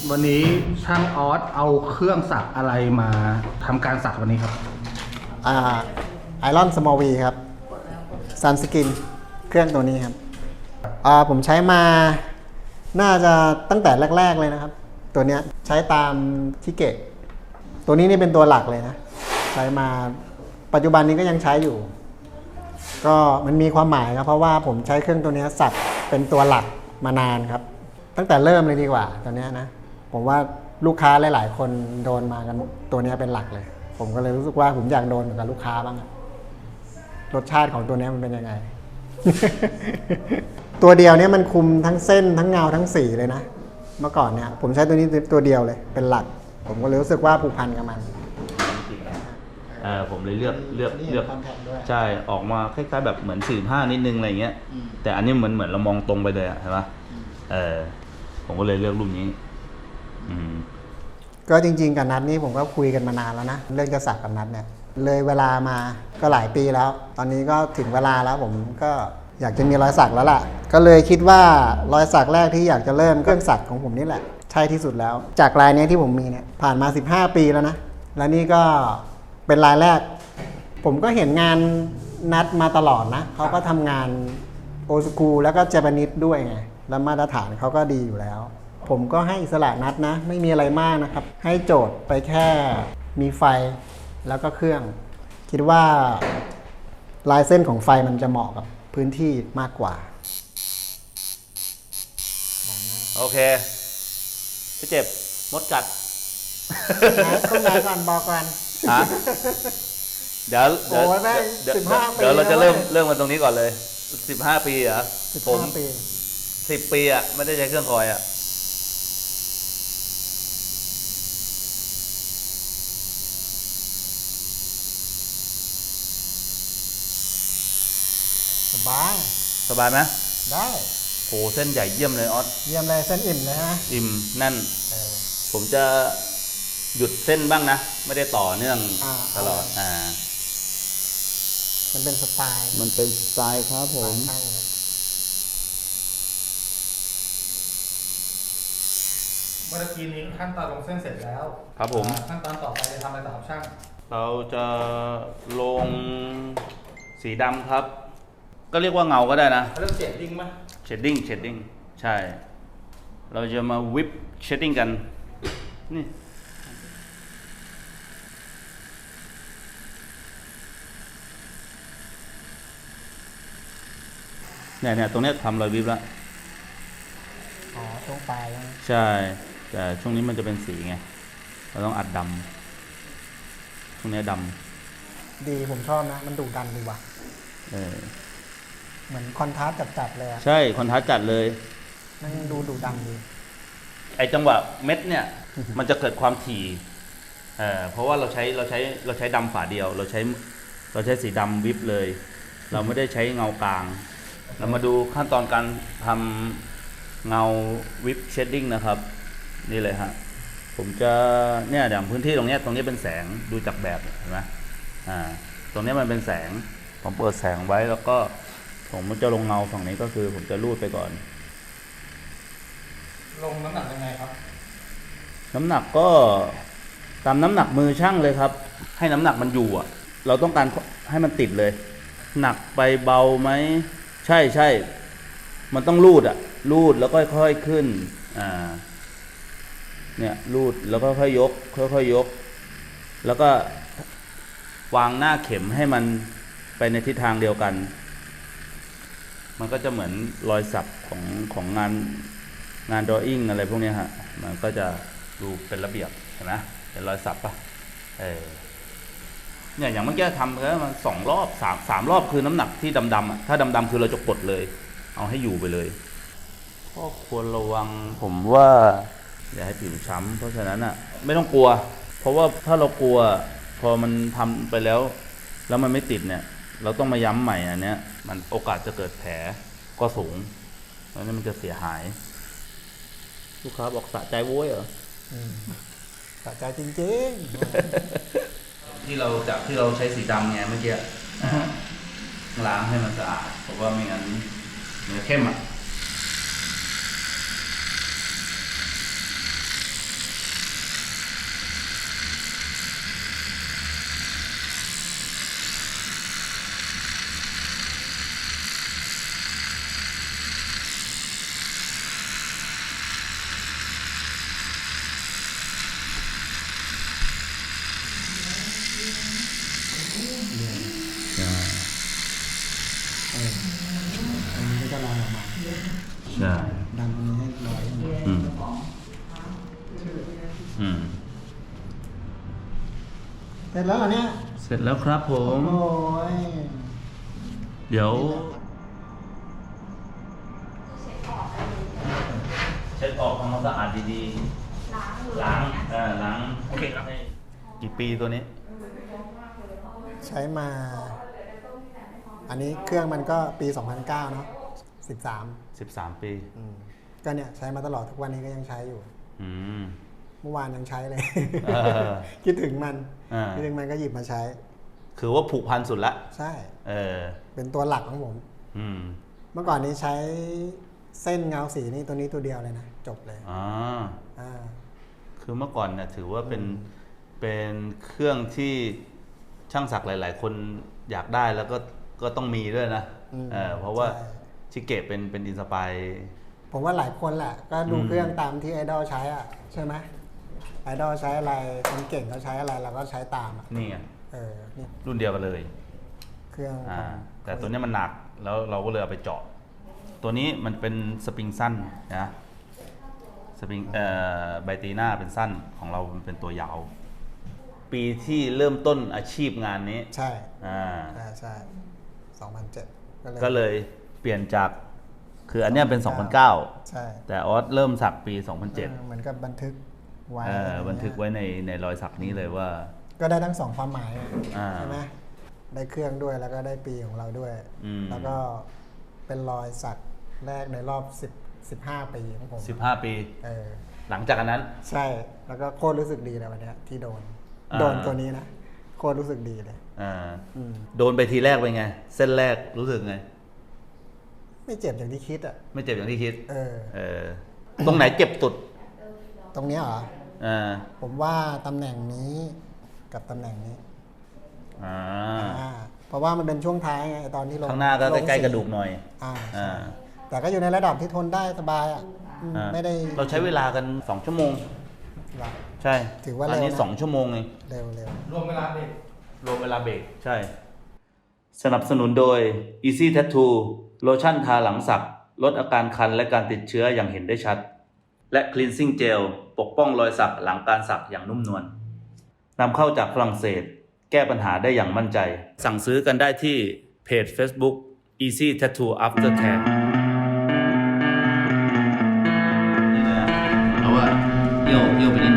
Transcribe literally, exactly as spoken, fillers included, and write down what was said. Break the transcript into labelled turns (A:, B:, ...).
A: วันนี้ช่างออสเอาเครื่องสักอะไรมาทำการสักวันนี้ครับ
B: อ่าไอรอนสมอลวีครับซันสกินเครื่องตัวนี้ครับอ่าผมใช้มาน่าจะตั้งแต่แรกๆเลยนะครับตัวเนี้ยใช้ตามชิเกะตัวนี้นี่เป็นตัวหลักเลยนะใช้มาปัจจุบันนี้ก็ยังใช้อยู่ก็มันมีความหมายครับเพราะว่าผมใช้เครื่องตัวนี้สักเป็นตัวหลักมานานครับตั้งแต่เริ่มเลยดีกว่าตัวนี้นะผมว่าลูกค้าหลายๆคนโดนมากันตัวนี้เป็นหลักเลยผมก็เลยรู้สึกว่าผมอยากโดนเหมือนกับลูกค้าบ้างรสชาติของตัวนี้มันเป็นยังไง ตัวเดียวเนี่ยมันคุมทั้งเส้นทั้งเงาทั้งสีเลยนะเมื่อก่อนเนี่ยผมใช้ตัวนี้ตัวเดียวเลยเป็นหลักผมก็เลยรู้สึกว่าผูกพันกับมัน
C: เออผมเลยเลือกเลือกเลือกใช่ออกมาคล้ายๆแบบเหมือนสี่ห้านิดนึงอะไรเงี้ยแต่อันนี้เหมือนเหมือนเรามองตรงไปเลยอะใช่ปะเออผมก็เลยเลือกรูปนี้อืม
B: ก็จริงๆกับนัทนี่ผมก็คุยกันมานานแล้วนะเรื่องจะสักกับนัทเนี่ยเลยเวลามาก็หลายปีแล้วตอนนี้ก็ถึงเวลาแล้วผมก็อยากจะมีรอยสักแล้วล่ะก็เลยคิดว่ารอยสักแรกที่อยากจะเริ่มเครื่องสักของผมนี่แหละใช่ที่สุดแล้วจากลายนี้ที่ผมมีเนี่ยผ่านมาสิบห้าปีแล้วนะและนี่ก็เป็นลายแรกผมก็เห็นงานนัดมาตลอดนะเขาก็ทำงานโอสกูแล้วก็เจแปนิสด้วยไงแล้วมาตรฐานเขาก็ดีอยู่แล้วผมก็ให้อิสระนัดนะไม่มีอะไรมากนะครับให้โจทย์ไปแค่มีไฟแล้วก็เครื่องคิดว่าลายเส้นของไฟมันจะเหมาะกับพื้นที่มากกว่า
C: โอเคพี่เจ็บมดกัด
B: ต้องไหนก่อนบอกก่อน
C: ฮะเดี๋ยวเดี๋ยวเดี๋ยวเราจะเริ่มเริ่มมาตรงนี้ก่อนเลยสิบห้าปีเหรอผมสิบปีอ่ะไม่ได้ใช้เครื่องคอยอ่ะ
B: สบาย
C: สบายไหม
B: ได้
C: โหเส้นใหญ่เยี่ยมเลยออส
B: เยี่ยมเลยเส้นอิ่มเลยฮะ
C: อิ่มแน่นผมจะหยุดเส้นบ้างนะไม่ได้ต่อเนื่องตลอดอ่า
B: มันเป็นสไตล์
C: มันเป็นสไตล์ครับผม
A: เมื่อกี้นี้ขั้นตอนลงเส้นเสร็จแล้ว
C: ครับผม
A: ขั้นตอนต่อไปจะทำอะไรต่อครับช่าง
C: เราจะลงสีดำครับก็เรียกว่าเงาก็ได้นะ
A: เขาเรียกเชดดิ้งไหม
C: เชดดิ้งเชดดิ้งใช่เราจะมาวิปเชดดิ้งกันนี่เนี่ยเนี่ยตรงนี้ทำรอยวิบแล้ว
B: อ๋อตรงปลาย
C: ใช่แต่ช่วงนี้มันจะเป็นสีไงเราต้องอัดดำช่วงนี้ด
B: ำดีผมชอบนะมันดุดันดีว่ะ
C: เออ
B: เหมือนคอนทราสต์จัดๆเลย
C: ใช่คอนทราสต์จัดเลย
B: มันดูดุดันดี
C: ไอจังหวะเม็ดเนี่ย มันจะเกิดความถี่เอ่อเพราะว่าเราใช้เราใช้เราใช้ดำฝาเดียวเราใช้เราใช้สีดำวิบเลย เราไม่ได้ใช้เงากลางเรามาดูขั้นตอนการทำเงาวิปเชดดิ้งนะครับนี่เลยฮะผมจะเนี่ยอย่างพื้นที่ตรงนี้ตรงนี้เป็นแสงดูจากแบบเห็นไหมอ่าตรงนี้มันเป็นแสงผมเปิดแสงไว้แล้วก็ผมจะลงเงาฝั่งนี้ก็คือผมจะลูดไปก่อน
A: ลงน้ำหนักยังไงครับ
C: น้ำหนักก็ตามน้ำหนักมือช่างเลยครับให้น้ำหนักมันอยู่อ่ะเราต้องการให้มันติดเลยหนักไปเบาไหมใช่ใช่มันต้องลูดอ่ะลูดแล้วก็ค่อยๆขึ้นอ่าเนี่ยลูดแล้วก็ค่อยยกค่อยๆยกแล้วก็วางหน้าเข็มให้มันไปในทิศทางเดียวกันมันก็จะเหมือนรอยสักของของงานงานดรออิ่งอะไรพวกนี้ฮะมันก็จะดูเป็นระเบียบเห็นไหมเป็นรอยสักปะเออเนี่ยอย่างเมื่อกี้ทำแล้วมันสองรอบสามสามรอบคือน้ำหนักที่ดำๆอ่ะถ้าดำๆคือเราจะกดเลยเอาให้อยู่ไปเลยก็ควรระวังผมว่าอย่าให้ผิวช้ำเพราะฉะนั้นอ่ะไม่ต้องกลัวเพราะว่าถ้าเรากลัวพอมันทำไปแล้วแล้วมันไม่ติดเนี่ยเราต้องมาย้ำใหม่อันเนี้ยมันโอกาสจะเกิดแผลก็สูงเพราะนั้นมันจะเสียหายลูกค้าบอกสะใจโว้ยเหรอ
B: สะใจจริง
C: ๆที่เราจากที่เราใช้สีดำไงเมื่อกี้ล้างให้มันสะอาดเพราะว่าไม่งั้นเนื้อเข้มอ่ะอืม
B: เสร็จแล้วเหรอเนี่ย
C: เสร็จแล้วครับผม
B: โอ้ย
C: เดี๋ยวเช็ดออกทำความสะอาดดีๆล้างเออล้างโอเคครับกี่ปีตัวนี้
B: ใช้มา อันนี้เครื่องมันก็ปี สองพันเก้า เนาะสิบสาม
C: สิบสาม ปี
B: อืมก็เนี่ยใช้มาตลอดทุกวันนี้ก็ยังใช้อยู่
C: อืม
B: เมื่อวานยังใช้เลย
C: เออ
B: คิดถึงมัน
C: อ่า
B: คิดถึงมันก็หยิบมาใช้
C: คือว่าผูกพันสุดละ
B: ใช่
C: เออ
B: เป็นตัวหลักของผม
C: อืม
B: เมื่อก่อนนี้ใช้เส้นเงาสีนี่ตัวนี้ตัวเดียวเลยนะ จบเลย
C: อ่า
B: อ่า
C: คือเมื่อก่อนเนี่ยถือว่าเป็น เป็นเครื่องที่ช่างศักดิ์หลาย ๆ คนอยากได้แล้วก็ก็ต้องมีด้วยนะ
B: อืม
C: เออเพราะว่า
B: ใช่
C: ชิเกะเป็นเป็นอินสปาย
B: ผมว่าหลายคนแหละ ก็ดู
C: อืม
B: เครื่องตามที่ไอดอลใช้อ่ะ ใช่ไหมไอดอลใช้อะไรคนเก่งเขาใช้อะไรเราก็ใช้ตามอ่ะ
C: นี่ไง
B: เออนี่
C: รุ่นเดียวกันเลย
B: เครื่อง
C: อ่า
B: ของ
C: แต่ตัวนี้มันหนักแล้วเราก็เลยเอาไปเจาะ ตัวนี้มันเป็นสปริงสั้นนะสปริงเอ่อไบตีหน้าเป็นสั้นของเรามันเป็นตัวยาว ปีที่เริ่มต้นอาชีพงานนี้
B: ใช่
C: อ่า
B: ใช่ใช่สองพันเจ็ดก็เลย
C: ก็เลยเปลี่ยนจากคืออันเนี้ยเป็น สองพันเก้า
B: ใช่
C: แต่ออสเริ่มสักปี สองพันเจ็ด
B: ออเหมือนกับบันทึกไว้
C: เออบันทึกไว้ในในรอยสักนี้เลยว่า
B: ก็ได้ทั้งสองความหมาย
C: อ่า
B: ใช่ไหมได้เครื่องด้วยแล้วก็ได้ปีของเราด้วย
C: อืม
B: แล้วก็เป็นรอยสักแรกในรอบสิบ สิบห้าปีของผม
C: สิบห้า ปี
B: เออ
C: หลังจากอันนั้น
B: ใช่ แล้วก็โคตรรู้สึกดีเลยวันเนี้ยที่โดน
C: อ่า
B: โดนตัวนี้นะ โคตรรู้สึกดีเลย
C: อ่า
B: อืม
C: โดนไปทีแรกเป็นไง เส้นแรกรู้สึกไง
B: ไม่เจ็บอย่างที่คิดอ่ะ
C: ไม่เจ็บอย่างที่คิด
B: เออ
C: เออ ตรงไหนเจ็บสุด
B: ตรงเนี้ยเหรอ
C: อ่า
B: ผมว่าตำแหน่งนี้กับตำแหน่งนี้
C: อ่า
B: อ่าเพราะว่ามันเป็นช่วงท้ายไงตอนที่ลง
C: ข้างหน้าก็
B: ลง
C: ใกล้ๆ
B: สี
C: กระดูกหน่อย
B: อ่า
C: อ่า
B: ใช่แต่ก็อยู่ในระดับที่ทนได้สบายอ่ะอืม
C: อ่า
B: ไม่ได้
C: เราใช้เวลากันสองชั่วโมง
B: หรอก
C: ใช่
B: ถือว่า
C: อันนี้
B: เร็วนะ
C: สองชั่วโมงเอง
B: เร็วเร็ว
A: รวมเวลาเด็ก
C: รวมเวลาเบรกใช่ สนับสนุนโดย Easy Tattoo โลชั่นทาหลังสัก ลดอาการคันและการติดเชื้ออย่างเห็นได้ชัด และ Cleansing Gel ปกป้องรอยสักหลังการสักอย่างนุ่มนวลนำเข้าจากฝรั่งเศส แก้ปัญหาได้อย่างมั่นใจ สั่งซื้อกันได้ที่เพจ Facebook Easy Tattoo Aftercare นี่เลยนะเราว่าเอี่ยวเอี่ยวไปนิด